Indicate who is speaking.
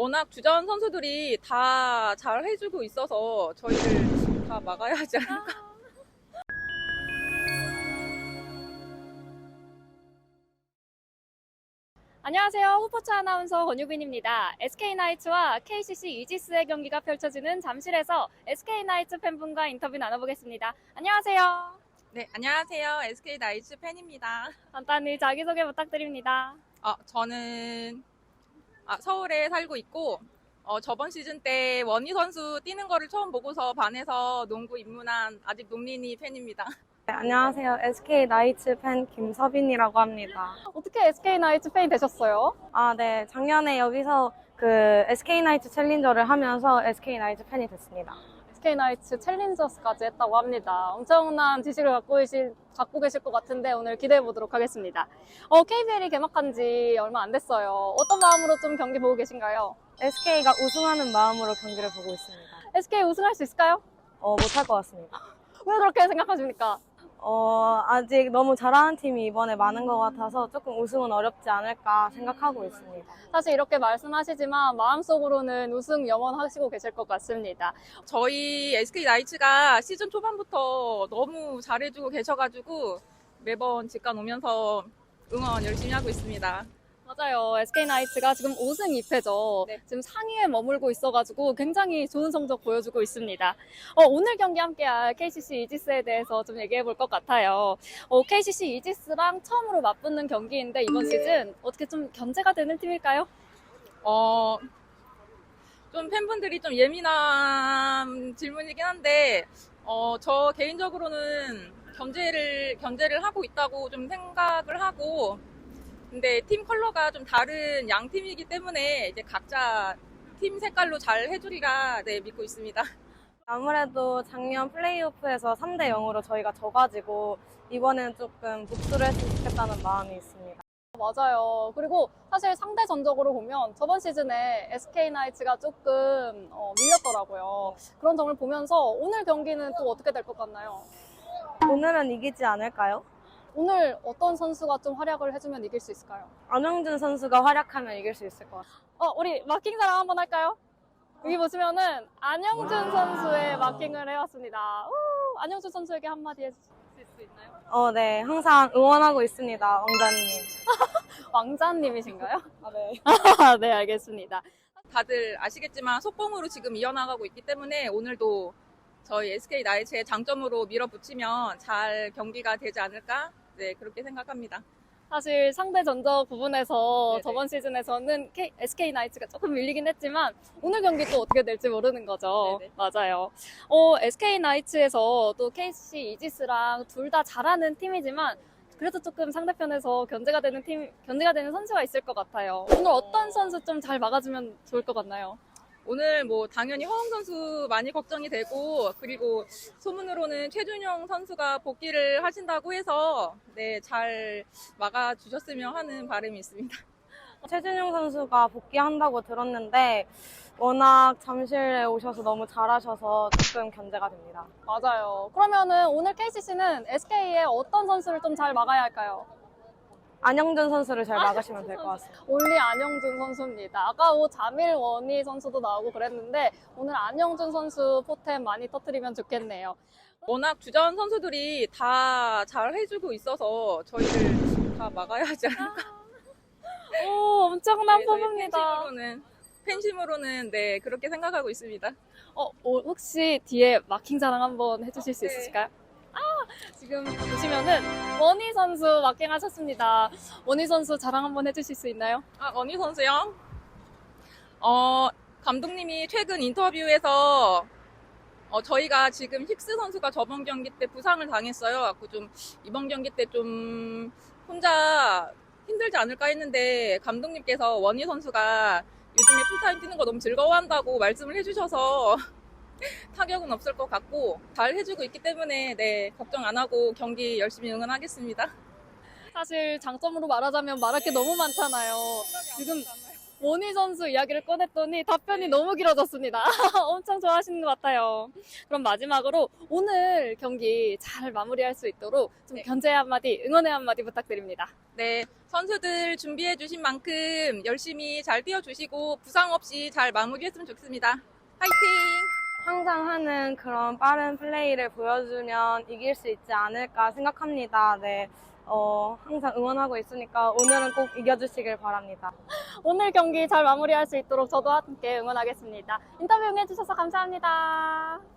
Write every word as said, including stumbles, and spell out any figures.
Speaker 1: 워낙 주전 선수들이 다 잘 해주고 있어서 저희를 다 막아야 하지 않을까.
Speaker 2: 안녕하세요. 후포츠 아나운서 권유빈입니다. 에스케이나이츠와 케이씨씨 이지스의 경기가 펼쳐지는 잠실에서 에스케이나이츠 팬분과 인터뷰 나눠보겠습니다. 안녕하세요.
Speaker 1: 네, 안녕하세요. 에스케이 나이츠 팬입니다.
Speaker 2: 간단히 자기소개 부탁드립니다.
Speaker 1: 어, 저는 아, 서울에 살고 있고 어, 저번 시즌 때 원희 선수 뛰는 거를 처음 보고서 반해서 농구 입문한 아직 농린이 팬입니다.
Speaker 3: 네, 안녕하세요. 에스케이나이츠 팬 김서빈이라고 합니다.
Speaker 2: 어떻게 에스케이나이츠 팬이 되셨어요?
Speaker 3: 아, 네. 작년에 여기서 그 에스케이나이츠 챌린저를 하면서 에스케이나이츠 팬이 됐습니다.
Speaker 2: 에스케이나이츠 챌린저스까지 했다고 합니다. 엄청난 지식을 갖고 계실, 갖고 계실 것 같은데 오늘 기대해 보도록 하겠습니다. 어, 케이비엘이 개막한 지 얼마 안 됐어요. 어떤 마음으로 좀 경기 보고 계신가요?
Speaker 3: 에스케이가 우승하는 마음으로 경기를 보고 있습니다.
Speaker 2: 에스케이 우승할 수 있을까요?
Speaker 3: 어, 못할 것 같습니다.
Speaker 2: 왜 그렇게 생각하십니까?
Speaker 3: 어, 아직 너무 잘하는 팀이 이번에 많은 것 같아서 조금 우승은 어렵지 않을까 생각하고 있습니다.
Speaker 2: 사실 이렇게 말씀하시지만 마음속으로는 우승 염원하시고 계실 것 같습니다.
Speaker 1: 저희 에스케이 나이츠가 시즌 초반부터 너무 잘해주고 계셔가지고 매번 직관 오면서 응원 열심히 하고 있습니다.
Speaker 2: 맞아요. 에스케이나이츠가 지금 오 승 이 패죠.
Speaker 1: 네.
Speaker 2: 지금 상위에 머물고 있어가지고 굉장히 좋은 성적 보여주고 있습니다. 어, 오늘 경기 함께할 케이씨씨 이지스에 대해서 좀 얘기해 볼 것 같아요. 어, 케이씨씨 이지스랑 처음으로 맞붙는 경기인데 이번 시즌 어떻게 좀 견제가 되는 팀일까요?
Speaker 1: 어, 좀 팬분들이 좀 예민한 질문이긴 한데, 어, 저 개인적으로는 견제를, 견제를 하고 있다고 좀 생각을 하고, 근데 팀 컬러가 좀 다른 양 팀이기 때문에 이제 각자 팀 색깔로 잘 해주리라 네, 믿고 있습니다.
Speaker 3: 아무래도 작년 플레이오프에서 삼 대 영으로 저희가 져가지고 이번에는 조금 복수를 했으면 좋겠다는 마음이 있습니다.
Speaker 2: 맞아요. 그리고 사실 상대 전적으로 보면 저번 시즌에 에스케이나이츠가 조금 어, 밀렸더라고요. 그런 점을 보면서 오늘 경기는 또 어떻게 될 것 같나요?
Speaker 3: 오늘은 이기지 않을까요?
Speaker 2: 오늘 어떤 선수가 좀 활약을 해주면 이길 수 있을까요?
Speaker 3: 안영준 선수가 활약하면 이길 수 있을 것 같아요.
Speaker 2: 어, 우리 마킹 자랑 한번 할까요? 여기 보시면은 안영준 선수의 마킹을 해왔습니다. 우, 안영준 선수에게 한마디 해주실 수 있나요?
Speaker 3: 어, 네. 항상 응원하고 있습니다, 왕자님.
Speaker 2: 왕자님이신가요?
Speaker 3: 아, 네.
Speaker 2: 네, 알겠습니다.
Speaker 1: 다들 아시겠지만 속공으로 지금 이어나가고 있기 때문에 오늘도 저희 에스케이 나이츠의 장점으로 밀어붙이면 잘 경기가 되지 않을까? 네, 그렇게 생각합니다.
Speaker 2: 사실 상대 전적 부분에서
Speaker 1: 네네.
Speaker 2: 저번 시즌에서는 에스케이나이츠가 조금 밀리긴 했지만 오늘 경기 또 어떻게 될지 모르는 거죠.
Speaker 1: 네네.
Speaker 2: 맞아요. 어, 에스케이나이츠에서 또 케이씨씨 이지스랑 둘 다 잘하는 팀이지만 그래도 조금 상대편에서 견제가 되는 팀, 견제가 되는 선수가 있을 것 같아요. 오늘 어떤 선수 좀 잘 막아주면 좋을 것 같나요?
Speaker 1: 오늘 뭐 당연히 허웅 선수 많이 걱정이 되고 그리고 소문으로는 최준용 선수가 복귀를 하신다고 해서 네, 잘 막아주셨으면 하는 바람이 있습니다.
Speaker 3: 최준용 선수가 복귀한다고 들었는데 워낙 잠실에 오셔서 너무 잘하셔서 조금 견제가 됩니다.
Speaker 2: 맞아요. 그러면은 오늘 케이씨씨는 에스케이의 어떤 선수를 좀 잘 막아야 할까요?
Speaker 3: 안영준 선수를 잘 막으시면 될 것 같습니다.
Speaker 2: 올리 안영준 선수입니다. 아까 뭐 자밀 원희 선수도 나오고 그랬는데 오늘 안영준 선수 포템 많이 터뜨리면 좋겠네요.
Speaker 1: 워낙 주전 선수들이 다 잘 해주고 있어서 저희를 다 막아야 하지 않을까.
Speaker 2: 오, 엄청난
Speaker 1: 네, 저희
Speaker 2: 포부입니다.
Speaker 1: 팬심으로는, 팬심으로는 네, 그렇게 생각하고 있습니다.
Speaker 2: 어, 어, 혹시 뒤에 마킹 자랑 한번 해주실 수
Speaker 1: 네.
Speaker 2: 있으실까요? 아, 지금 보시면은 원희 선수 마킹 하셨습니다. 원희 선수 자랑 한번 해주실 수 있나요?
Speaker 1: 아, 원희 선수요? 어, 감독님이 최근 인터뷰에서 어, 저희가 지금 힉스 선수가 저번 경기 때 부상을 당했어요. 갖고 좀 이번 경기 때 좀 혼자 힘들지 않을까 했는데 감독님께서 원희 선수가 요즘에 풀타임 뛰는 거 너무 즐거워한다고 말씀을 해주셔서 타격은 없을 것 같고 잘 해주고 있기 때문에 네, 걱정 안 하고 경기 열심히 응원하겠습니다.
Speaker 2: 사실 장점으로 말하자면 말할 게 너무 많잖아요. 지금 원희 선수 이야기를 꺼냈더니 답변이 너무 길어졌습니다. 엄청 좋아하시는 것 같아요. 그럼 마지막으로 오늘 경기 잘 마무리할 수 있도록 좀
Speaker 1: 네.
Speaker 2: 견제 한마디, 응원의 한마디 부탁드립니다.
Speaker 1: 네, 선수들 준비해 주신 만큼 열심히 잘 뛰어주시고 부상 없이 잘 마무리했으면 좋겠습니다. 화이팅!
Speaker 3: 항상 하는 그런 빠른 플레이를 보여주면 이길 수 있지 않을까 생각합니다. 네. 어, 항상 응원하고 있으니까 오늘은 꼭 이겨주시길 바랍니다.
Speaker 2: 오늘 경기 잘 마무리할 수 있도록 저도 함께 응원하겠습니다. 인터뷰 응해주셔서 감사합니다.